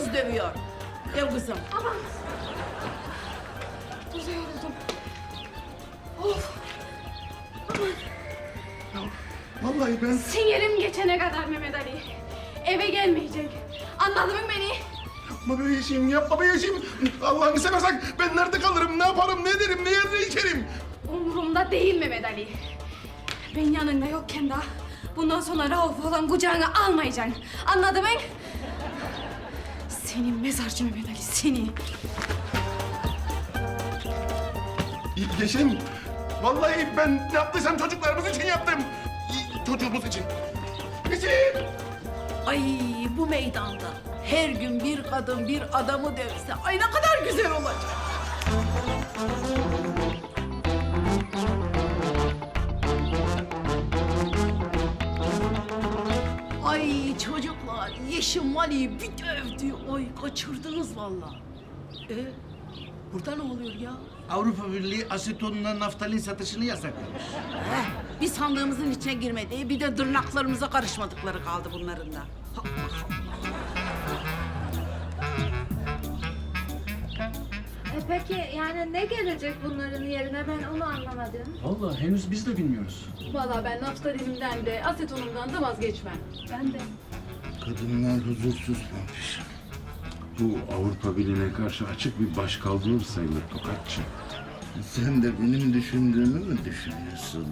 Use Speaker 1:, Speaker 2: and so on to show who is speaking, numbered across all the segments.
Speaker 1: kız dövüyor. Gel kızım.
Speaker 2: Aman. Tuza yoruldum. Of.
Speaker 3: Vallahi ben...
Speaker 2: Sinirim geçene kadar Mehmet Ali. Eve gelmeyecek. Anladın mı beni?
Speaker 3: Yapma be Yeşim, yapma be Yeşim. Allah'ını seversen ben nerede kalırım, ne yaparım, ne derim, ne yer, ne içerim?
Speaker 2: Umurumda değil Mehmet Ali. Ben yanında yokken daha bundan sonra Rauf olan kucağına almayacaksın. Anladın mı? Senin mezarcı Mehmet Ali, seni.
Speaker 3: Yeşim, vallahi ben ne yaptıysam çocuklarımız için yaptım. Çocuğumuz için. Yeşim!
Speaker 1: Ay bu meydanda her gün bir kadın bir adamı dövse ay ne kadar güzel olacak. Ay çocuklar Yeşim Vali'yi bir dövdü. Ay kaçırdınız vallahi. Burada ne oluyor ya?
Speaker 4: Avrupa Birliği asetonla naftalin satışını yasaklamış.
Speaker 1: Bir sandığımızın içine girmedi, bir de tırnaklarımıza karışmadıkları kaldı bunların da.
Speaker 5: Peki yani ne gelecek bunların yerine ben onu anlamadım.
Speaker 6: Vallahi henüz biz de bilmiyoruz.
Speaker 7: Vallahi ben naftalinimden de asetonumdan da vazgeçmem. Ben de.
Speaker 4: Kadınlar huzursuzlanmış.
Speaker 8: Bu Avrupa Birliği'ne karşı açık bir başkaldırı sayılır Tokatçı.
Speaker 4: Sen de benim düşündüğümü mü düşünüyorsun?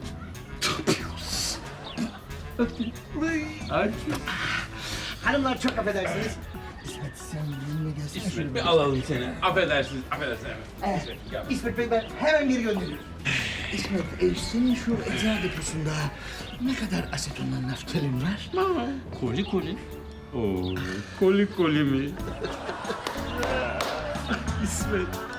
Speaker 4: Hanımlar çok affedersiniz. İsmet sen benimle gelsene.
Speaker 9: İsmet bir alalım seni. Affedersiniz, affedersiniz. İsmet, gel.
Speaker 4: İsmet Bey ben hemen geri gönderiyorum. İsmet senin şu eczacı deposunda ne kadar asetonla naftalin var?
Speaker 9: Koli koli. Oo, koli koli mi? İsmet.